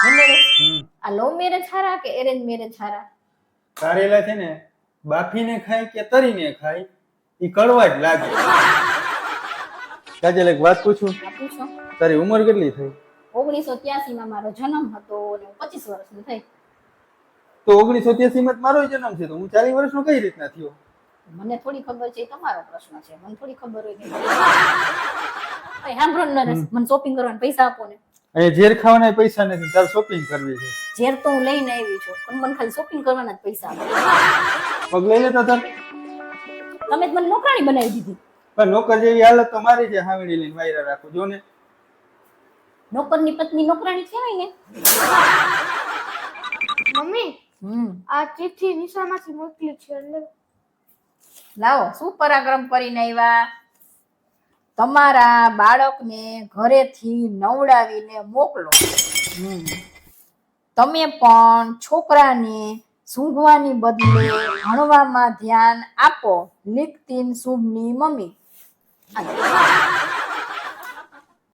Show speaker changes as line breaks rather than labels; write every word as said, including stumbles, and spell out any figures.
હમ
આ love marriage સારા કે arrange marriage સારા?
કારેલા છે ને બાફીને ખાય કે તરીને ખાય ઈ કડવા જ લાગે. કાજલ એક વાત પૂછું,
આ પૂછો.
તારી ઉંમર કેટલી થઈ?
ઓગણીસો ત્યાસી માં મારો જન્મ હતો અને હું પચીસ વર્ષની થઈ.
તો ઓગણીસો ત્યાસી માં મારો જન્મ છે તો હું ચાલીસ વર્ષનો કઈ રીતના થયો?
મને થોડી ખબર છે, એ તમારો પ્રશ્ન છે. મને થોડી ખબર હોય કે ભાઈ સાંભળો ને નરેશ, મને શોપિંગ કરવાના પૈસા આપો ને.
અહીંયા ઝેર ખાવાના પૈસા નથી, તારે શોપિંગ કરવી છે.
ઝેર તો હું લઈને આવી છું, પણ મને ખાલી શોપિંગ કરવાના જ પૈસા આપો.
પગ લઈ લેતા તાર.
તમે જ મને નોકરાણી બનાવી દીધી.
પણ નોકર જેવી હાલત તો મારી છે, હાવડી લઈને વાયરા રાખું જો ને.
નોકરની પત્ની નોકરાણી કહેવાય ને.
મમ્મી
હમ
આ ચિઠ્ઠી નિશામાંથી મોકલી છે અંદર.
લાવો, શું પરાક્રમ કરીને આવ્યા. તમારા બાળકને ઘરેથી નવડાવીને મોકલો. હમ તમે પણ છોકરાને સૂંઘવાની બદલે ભણવામાં ધ્યાન આપો. લીકતીન શુભની મમ્મી.